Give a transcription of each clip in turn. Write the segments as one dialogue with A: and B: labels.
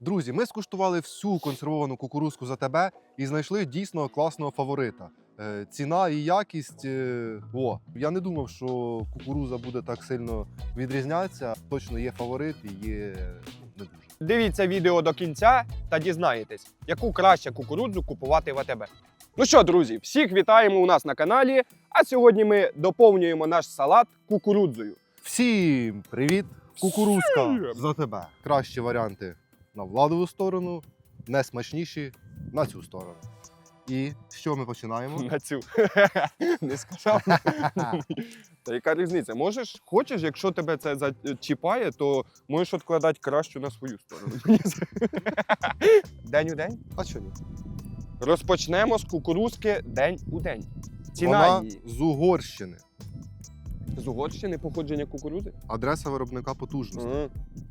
A: Друзі, ми скуштували всю консервовану кукурудзку за тебе і знайшли дійсно класного фаворита. Ціна і якість. Я не думав, що кукурудза буде так сильно відрізнятися. Точно є фаворит і є не дуже.
B: Дивіться відео до кінця та дізнаєтесь, яку краще кукурудзу купувати в АТБ. Ну що, друзі, всіх вітаємо у нас на каналі, а сьогодні ми доповнюємо наш салат кукурудзою.
A: Всім привіт! Кукурудзка
B: Всім!
A: за тебе. Кращі варіанти на владову сторону, найсмачніші на цю сторону. І з чого ми починаємо?
B: На цю. Не сказав. Та яка різниця? Хочеш, якщо тебе це зачіпає, то можеш відкладати кращу на свою сторону. День у день?
A: А що ні?
B: Розпочнемо з кукурудзки день у день. Ціна
A: Вона
B: її.
A: з Угорщини.
B: З Угорщини походження кукурудзи?
A: Адреса виробника потужності.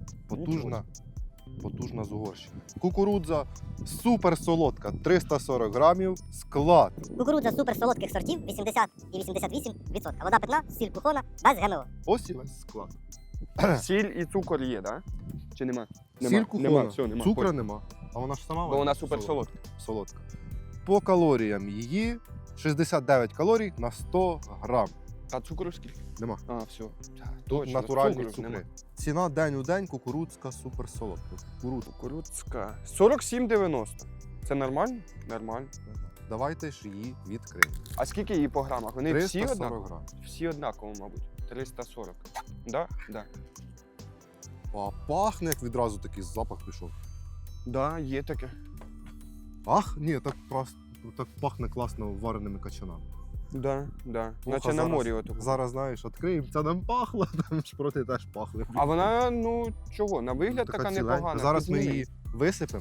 A: Потужна з Угорщини. Кукурудза супер солодка, 340 грамів, склад.
C: Кукурудза супер солодких сортів 80 і 88%. Вода питна, сіль кухона, без ГМО.
A: Ось і весь склад.
B: Сіль і цукор є, так? Чи нема?
A: Сіль кухона,
B: Нема, все, нема.
A: цукру нема. А вона ж сама
B: Бо вона супер солодка.
A: солодка. По калоріям її 69 калорій на 100 грам.
B: А цукру скільки?
A: Нема.
B: А, все.
A: Тут натуральні
B: цукру
A: цукри.
B: нема.
A: Ціна день у день, кукурудзка супер солодка.
B: Кукурудзка. 47,90. Це нормально? Нормально.
A: Давайте ж її відкриємо.
B: А скільки її по грамах? Вони всі
A: 340
B: однакові?
A: грам.
B: Всі однаково, мабуть. 340. Да? Да.
A: А пахне, як відразу такий запах пішов.
B: Да, є таке.
A: Ах, ні, так пахне класно вареними качанами.
B: Да, да.
A: Ох,
B: Наче
A: а
B: на
A: зараз-
B: морі отако.
A: Зараз, знаєш, відкриємо, це нам пахло, там шпроти теж пахли.
B: А вона, ну, чого? На вигляд така
A: ціленька.
B: непогана.
A: Зараз ми
B: Підніми.
A: її висипемо.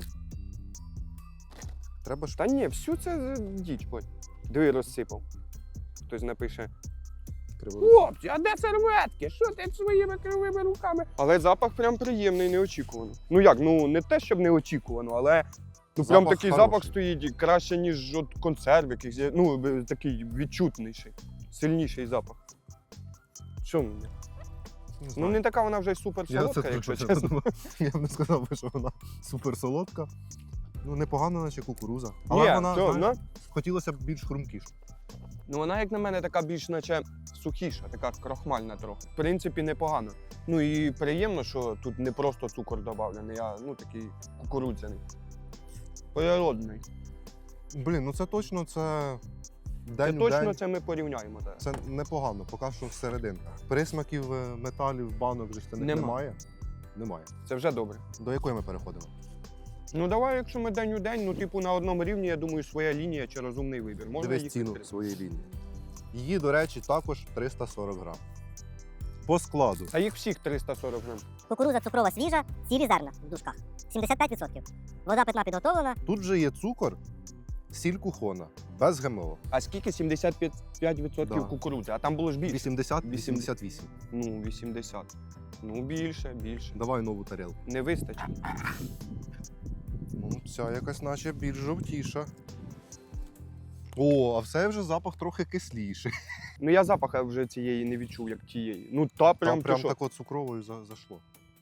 A: Треба ж
B: Та ні, всю це діч, будь. Диви, розсипав. Хтось напише:
A: криворуч.
B: хлопці, а де серветки? Що ти своїми кривими руками? Але запах прям приємний, неочікувано. Ну як, ну не те, щоб неочікувано, але ну прям
A: Запах
B: такий
A: хороший.
B: запах стоїть і краще, ніж от консерв якийсь. Ну, такий відчутніший, сильніший запах. Що мені?
A: Не
B: Ну
A: знаю.
B: не така вона вже й супер
A: Я
B: солодка,
A: це
B: якщо
A: точно
B: чесно.
A: Я б не сказав, би, що вона супер солодка. Ну, непогана, наче кукуруза. Але
B: Ні,
A: вона,
B: то,
A: знаєш, хотілося б більш хрумкіша.
B: ну вона, як на мене, така більш наче сухіша, така крохмальна трохи. В принципі, непогано. Ну і приємно, що тут не просто цукор додавлений, а ну такий кукурудзяний. Природний.
A: Блін, ну це точно, це
B: Це
A: день у
B: точно
A: день.
B: це ми порівняємо. Так.
A: Це непогано, поки що всерединка. Присмаків металів, банок, жестяних
B: Нема.
A: немає? Немає.
B: Це вже добре.
A: До якої ми переходимо?
B: Ну давай, якщо ми день у день, ну типу на одному рівні, я думаю, своя лінія чи розумний вибір. Можна
A: Дивись
B: їх
A: ціну
B: відкрити?
A: своєї лінії. Її, до речі, також 340 грам. По складу.
B: А їх всіх 340 грам.
C: Кукурудза цукрова свіжа, цілі зерна в дужках. 75%. Вода питна підготовлена.
A: Тут же є цукор, сіль кухона, без ГМО.
B: А скільки? 75%
A: Да.
B: кукурудзи, а там було ж більше.
A: 80-88.
B: Ну, 80. Ну, більше.
A: Давай нову тарілку.
B: Не вистачить.
A: Ну, ця якась наче більш жовтіша. О, а все вже запах трохи кисліший.
B: Ну я запаха вже цієї не відчув, як тієї. Ну та прям,
A: Там
B: ти
A: прям
B: що?
A: так от цукровою зайшло.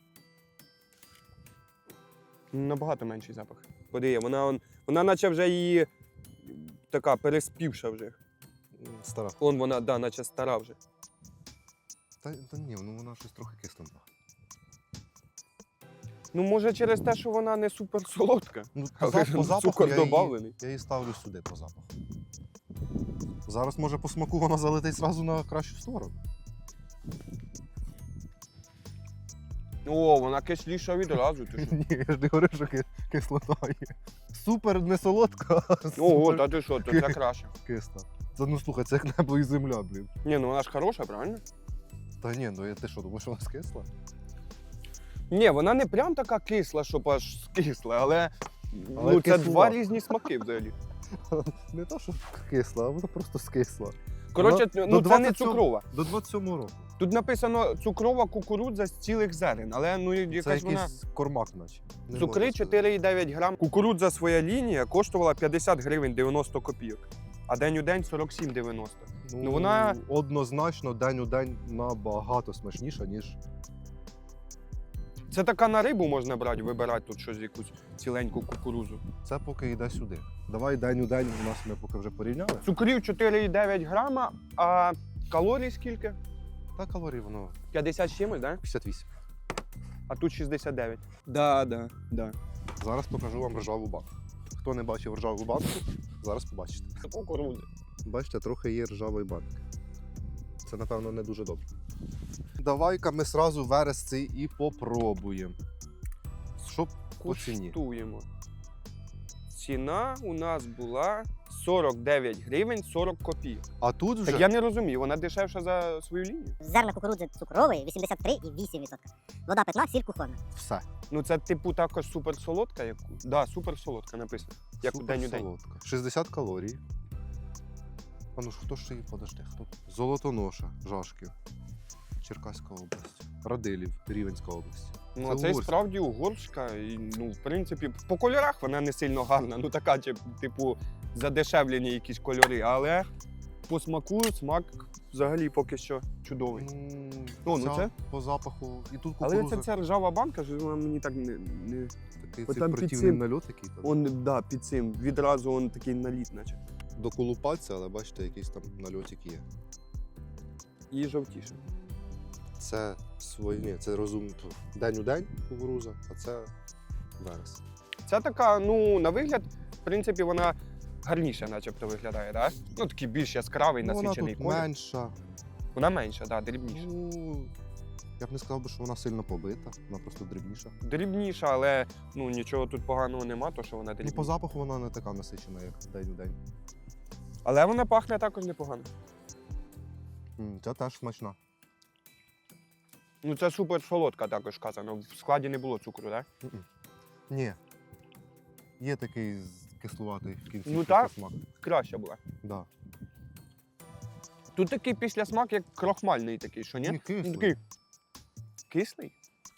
B: Набагато менший запах. Подиє, вона наче вже її така переспівша вже.
A: Стара.
B: Вона, да, наче стара вже.
A: Та ні, ну вона щось трохи кисленька.
B: Ну, може, через те, що вона не супер солодка.
A: Ну,
B: Але
A: по запаху
B: цукор
A: я її,
B: добавлений.
A: я її ставлю сюди по запаху. Зараз, може, по смаку вона залетить зразу на кращу сторону.
B: О, вона кисліша відразу. Ти що?
A: Ні, я ж не говорю, що кислота є. Супер не солодка, а
B: Ого,
A: супер
B: та ти що, то це краще.
A: кисла. Це, ну слухай, це як небо і земля, блін.
B: Ні, ну вона ж хороша, правильно?
A: Та ні, ну ти що, думаєш, вона скисла?
B: Ні, вона не прям така кисла, щоб аж скисла, але
A: Але
B: ну, це
A: кисла.
B: два різні смаки взагалі.
A: Не то, що кисла, а вона просто скисла.
B: Коротше,
A: Вона
B: ну
A: до
B: це не
A: 27
B: цукрова.
A: До 27-го року.
B: Тут написано цукрова кукурудза з цілих зерен, але ну
A: Це
B: якась вона.
A: якийсь кормак, наче. Не
B: Цукри
A: можна сказати.
B: 4,9 грам. Кукурудза своя лінія коштувала 50 гривень 90 копійок, а день у день 47,90. Ну, вона-
A: однозначно день у день набагато смачніша, ніж
B: Це така на рибу можна брати, вибирати тут щось, якусь ціленьку кукурузу.
A: Це поки йде сюди. Давай день у день у нас ми поки вже порівняли.
B: Цукрів 4,9 грама, а калорій скільки?
A: Та калорій воно
B: 50 з чимось, так?
A: 58.
B: А тут 69. Да.
A: Зараз покажу вам ржаву банку. Хто не бачив ржаву банку, зараз побачите.
B: Це кукурудзи.
A: Бачите, трохи є ржавої банки. Це, напевно, не дуже добре. Давай-ка ми сразу верес цей і попробуємо. Що по ціні?
B: Куштуємо. Ціна у нас була 49 гривень 40 копійок.
A: А тут вже
B: Так я не розумію, вона дешевша за свою лінію?
C: Зерна кукурудзи цукрової 83,8%. Вода питна, сіль кухонна.
A: все.
B: Ну це типу також суперсолодка, яку? Да, суперсолодка написано. Як у день у день.
A: Суперсолодка. 60 калорій. А ну ж хто ж її подожди? Хто? Золотоноша, Жашків, Черкаська область, Радилів, Рівенська область.
B: Ну,
A: Це
B: а це і
A: угорська.
B: справді угорська. І, ну, в принципі, по кольорах вона не сильно гарна. Ну така, типу, задешевлені якісь кольори, але по смаку смак взагалі поки що чудовий. Ну
A: ця
B: це?
A: по запаху. І тут
B: Але
A: кукуруза.
B: ця ржава банка, що вона мені так не...
A: Такий
B: От
A: цей
B: там під
A: противний
B: цим-
A: нальот який там.
B: Он, да, під цим. Відразу он такий наліт, наче.
A: Доколупаться, але бачите, якийсь там нальотик є.
B: І жовтіше.
A: Це ні, це розумно. День у день кукуруза, а це верес.
B: Ця така, ну, на вигляд, в принципі, вона гарніше начебто виглядає, так? Ну, такий більш яскравий,
A: Ну, вона
B: насичений
A: тут
B: колір.
A: менша.
B: Вона менша, так, дрібніша.
A: Ну, я б не сказав, що вона сильно побита, вона просто дрібніша.
B: Дрібніша, але ну, нічого тут поганого нема, то що вона
A: Ну,
B: дрібніша.
A: по запаху вона не така насичена, як день у день.
B: Але вона пахне також непогано.
A: Ця теж смачна.
B: Ну, це супер солодка також казано. В складі не було цукру, так?
A: Ні. Є такий кислуватий в кінці
B: Ну, так.
A: смак.
B: Краща була.
A: Да.
B: Тут такий післясмак, як крохмальний такий, що ні?
A: Ні, кислий.
B: Ну, такий кислий?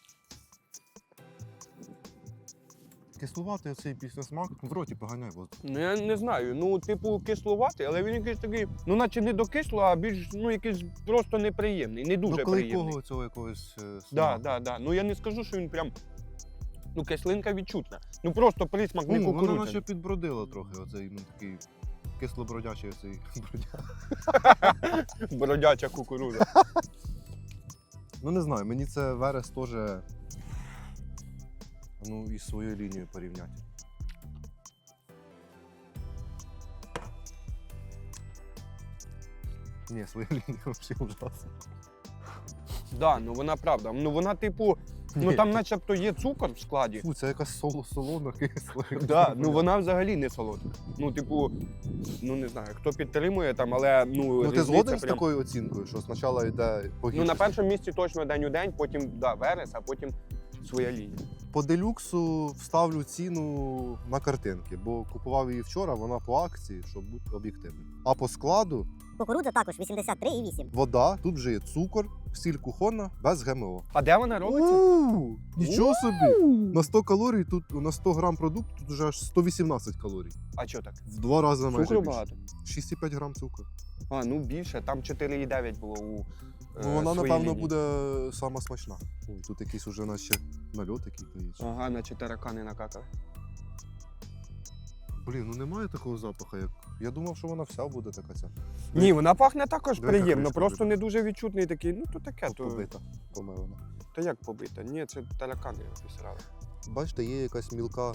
A: Кислуватий оцей післясмак в роті поганяє воздух.
B: Ну, я не знаю. Ну, типу, кислуватий, але він якийсь такий, ну, наче не до кислого, а більш, ну, якийсь просто неприємний, не дуже
A: До
B: приємний.
A: клейкого цього якогось
B: Да. Ну я не скажу, що він прям. Ну, кислинка відчутна. Ну просто присмак не
A: Воно наче
B: кукурудзяний.
A: підбродило трохи, оцей ну, такий кислобродячий оцей бродяг.
B: Бродяча кукурудза.
A: Ну не знаю, мені це верес теж ну, із своєю лінією порівняти. Ні, своя лінія взагалі ужасна.
B: Да, ну вона правда. Ну вона, типу, ну
A: Ні,
B: там начебто є цукор в складі.
A: Фу, це якась солона кисла.
B: Да, ну вона взагалі не солодка. Ну, типу, ну не знаю, хто підтримує там, але ну.
A: Ну ти
B: різниця
A: згоден з
B: прям-
A: такою оцінкою, що спочатку йде
B: Ну
A: погірше?
B: на першому місці точно день у день, потім да, верес, а потім своя лінія.
A: По делюксу вставлю ціну на картинки, бо купував її вчора, вона по акції, щоб бути об'єктивним. А по складу
C: Кукурудза також 83,8%.
A: вода, тут вже є цукор, сіль кухонна, без ГМО.
B: А де вона робиться?
A: Нічого собі! На 100 калорій, тут на 100 грам продукту, тут вже аж 118 калорій.
B: А чого так?
A: В 2 рази майже
B: Цукру
A: більше.
B: багато.
A: 6,5 грам цукру.
B: А, ну більше, там 4,9 було у.
A: Ну вона,
B: своїй
A: напевно,
B: лінії.
A: буде сама смачна. Ой, тут якийсь уже наче нальот який є.
B: Ага, наче таракани накакали.
A: Блін, ну немає такого запаху, як. Я думав, що вона вся буде така ця.
B: Ні, вона пахне також
A: Диви, яка
B: приємно,
A: кришка
B: просто
A: побита.
B: не дуже відчутний такий, ну то таке, то.
A: Побита, помилена.
B: Та як побита? Ні, це таракани обісрали.
A: Бачите, є якась мілка.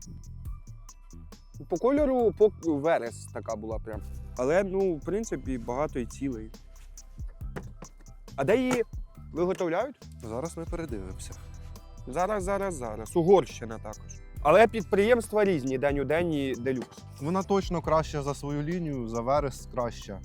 B: По кольору верес така була прям. Але, ну, в принципі, багато і цілий. А де її виготовляють?
A: Зараз ми передивимося.
B: Зараз. Угорщина також. Але підприємства різні, день у день і делюкс.
A: Вона точно краща за свою лінію, за верес краща.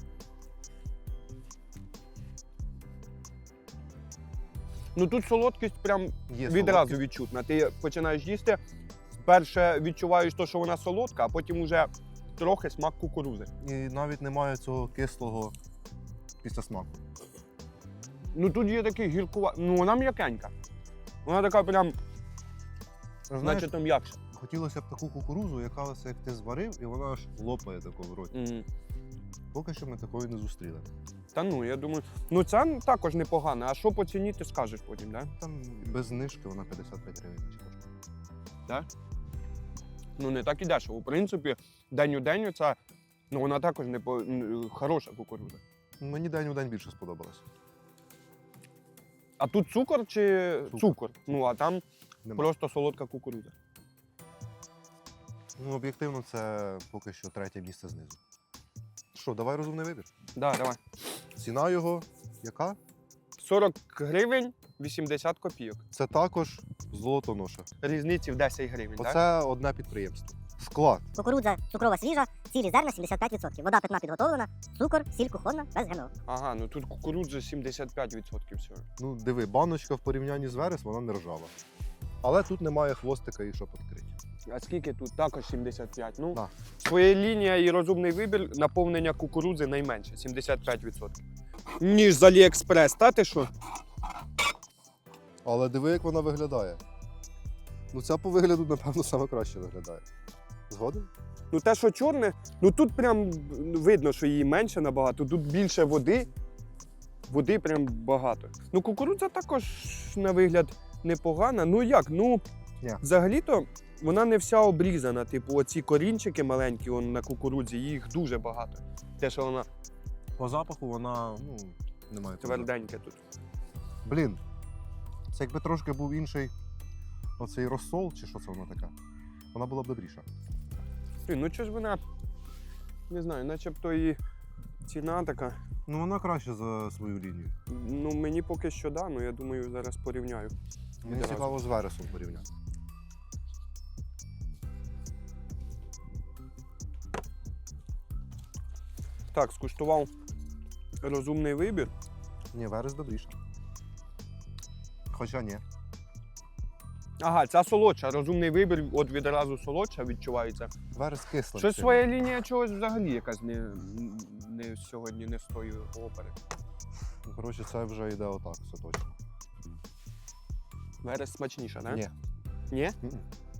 B: Ну тут солодкість прям
A: Є
B: відразу
A: солодкість.
B: відчутна. Ти починаєш їсти, перше відчуваєш те, що вона солодка, а потім вже трохи смак кукурудзи.
A: І навіть немає цього кислого післясмаку.
B: Ну тут є такий гіркуватий, ну вона м'якенька. Вона така прям,
A: Знаєш,
B: наче там м'якша.
A: хотілося б таку кукурузу, яка ось як ти зварив, і вона аж лопає тако в роті. Поки що ми такої не зустріли.
B: Та ну, я думаю, ну це також непогано. А що по ціні, ти скажеш потім, да?
A: Там без знижки вона 55 гривень коштує.
B: Ну не так і дешево. В принципі, день у день це, ну вона також хороша кукурудза.
A: Мені день у день більше сподобалось.
B: А тут цукор чи
A: Цукор.
B: Ну, а там
A: Нема.
B: просто солодка кукурудза.
A: Ну, об'єктивно, це поки що третє місце знизу. Що, давай розумний вибір.
B: Да, давай.
A: Ціна його яка?
B: 40 гривень 80 копійок.
A: Це також золотоноша.
B: Різниці в 10 гривень, так?
A: Оце одне підприємство. Склад.
C: Кукурудза цукрова свіжа, цілі зерна 75%. Вода питна підготовлена, цукор, сіль кухонна, без ГМО.
B: Ага, ну тут кукурудза 75% всього.
A: Ну, диви, баночка в порівнянні з Верес, вона не ржава. Але тут немає хвостика і щоб відкрити.
B: А скільки тут? Також 75. Ну,
A: Да.
B: своя лінія і розумний вибір наповнення кукурудзи найменше 75%. Ніж з Аліекспрес, та ти що?
A: Але диви, як вона виглядає. Ну, ця по вигляду, напевно, саме краще виглядає. Згоден?
B: Ну те, що чорне, ну тут прям видно, що її менше набагато, тут більше води. Води прям багато. Ну кукурудза також на вигляд непогана. Ну як? Ну
A: Ні.
B: взагалі-то вона не вся обрізана. Типу, оці корінчики маленькі на кукурудзі, їх дуже багато. Те, що вона
A: По запаху вона, ну, немає.
B: тверденька тут.
A: Блін, це якби трошки був інший оцей розсол, чи що це воно таке, вона була б добріша.
B: Блін, ну чого ж вона, не знаю, начебто і ціна така.
A: Ну, вона краще за свою лінію.
B: Ну мені поки що да, ну я думаю, зараз порівняю.
A: Мені
B: Відразу.
A: цікаво з Вересом порівняти.
B: Так, скуштував розумний вибір.
A: Ні, Верес добріше. Хоча ні.
B: Ага, ця солодша, розумний вибір, от відразу солодша відчувається.
A: Верес кислий.
B: Щось своя лінія чогось взагалі якась не сьогодні не з тої опери.
A: Коротше, це вже йде отак, все точно.
B: Верес смачніша, не?
A: Ні.
B: Ні?
A: М-м.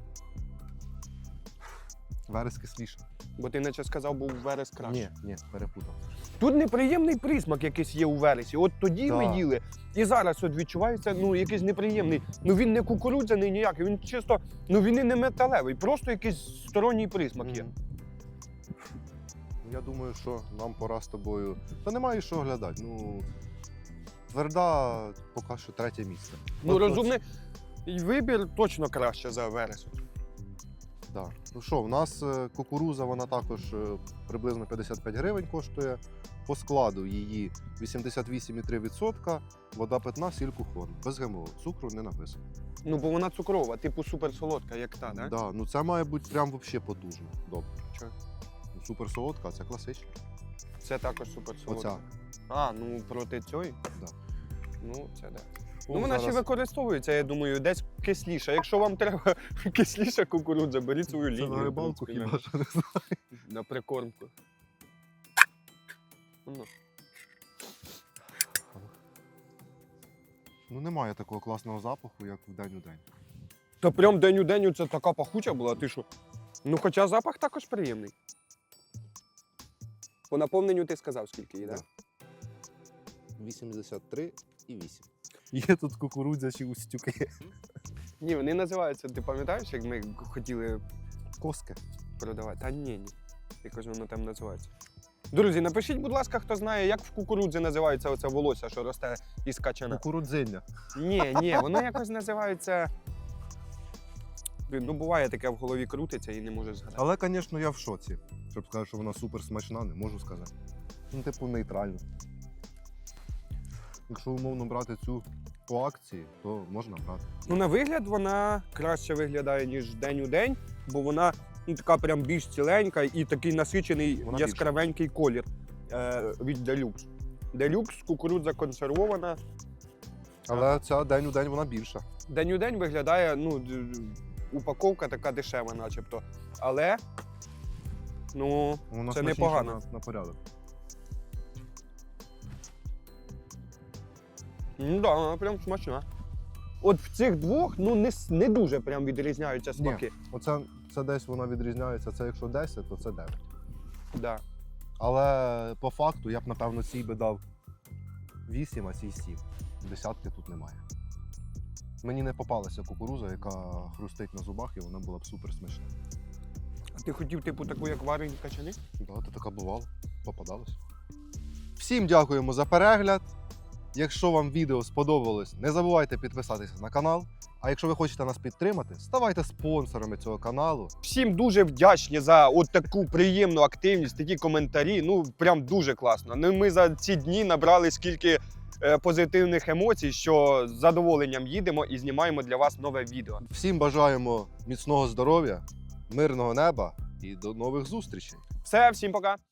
A: Верес кисліше.
B: Бо ти наче сказав, був верес краще.
A: Ні, перепутав.
B: Тут неприємний присмак якийсь є у вересі. От тоді
A: Да.
B: ми їли, і зараз от відчувається ну, якийсь неприємний. Ну він не кукурудзяний ніякий, він чисто, ну він і не металевий, просто якийсь сторонній присмак є.
A: Мгм. Я думаю, що нам пора з тобою. Та немає що глядати. Ну, тверда поки що третє місце.
B: Ну
A: От-
B: розумний вибір точно краще за верес.
A: Да. Ну що, в нас кукуруза, вона також приблизно 55 гривень коштує. По складу її 88,3%, вода питна, сіль кухонна. Без ГМО. Цукру не написано.
B: Ну бо вона цукрова, типу суперсолодка, як та, да?
A: Да, ну це має бути прям взагалі потужно. Добре.
B: Чого?
A: Ну, супер солодка, а це класична.
B: Це також суперсолодка.
A: Оця.
B: А, ну проти цієї?
A: Да.
B: Ну, це да.
A: О,
B: Ну, вона ще
A: зараз-
B: використовується, я думаю, десь кисліша. Якщо вам треба кисліша кукурудза, беріть свою
A: Це
B: лінію.
A: на рибалку
B: в принципі,
A: хіба що не знаю.
B: на прикормку. Ну.
A: Ну немає такого класного запаху, як в день у день.
B: Та прям день у день це така пахуча була, ти що? Ну, хоча запах також приємний. По наповненню ти сказав, скільки її, так?
A: Да. 83,8. Є тут кукурудзячі устюки.
B: Ні, вони називаються, ти пам'ятаєш, як ми хотіли
A: Коски.
B: продавати? Та ні. Якось воно там називається. Друзі, напишіть, будь ласка, хто знає, як в кукурудзі називається оце волосся, що росте із качана.
A: Кукурудзиння.
B: Ні, воно якось називається. Блін, ну буває таке в голові крутиться і не можеш згадати.
A: Але, звісно, я в шоці. Щоб сказати, що вона супер смачна, не можу сказати. Ну, типу, нейтрально. Якщо умовно брати цю по акції, то можна брати.
B: Ну, на вигляд вона краще виглядає, ніж день у день, бо вона ну, така прям більш ціленька і такий насичений
A: Вона
B: яскравенький колір від Deluxe. Deluxe, кукурудза консервована.
A: Але ця день у день вона більша.
B: День у день виглядає, ну, упаковка така дешева, начебто. Але, ну,
A: Вона
B: це
A: смачніша
B: непогано.
A: на порядок.
B: Ну да, вона прям смачна. От в цих двох ну, не дуже прям відрізняються смаки.
A: Оце це десь вона відрізняється. Це якщо 10, то це 9.
B: Да.
A: Але по факту я б, напевно, цій би дав 8, а цій 7. Десятки тут немає. Мені не попалася кукуруза, яка хрустить на зубах, і вона була б супер смачна.
B: А ти хотів, типу, таку, як варені качани?
A: Да, то така бувала, попадалась. Всім дякуємо за перегляд. Якщо вам відео сподобалось, не забувайте підписатися на канал. А якщо ви хочете нас підтримати, ставайте спонсорами цього каналу.
B: Всім дуже вдячні за от таку приємну активність, такі коментарі. Ну, прям дуже класно. Ну, ми за ці дні набрали скільки позитивних емоцій, що з задоволенням їдемо і знімаємо для вас нове відео.
A: Всім бажаємо міцного здоров'я, мирного неба і до нових зустрічей.
B: Все, всім пока!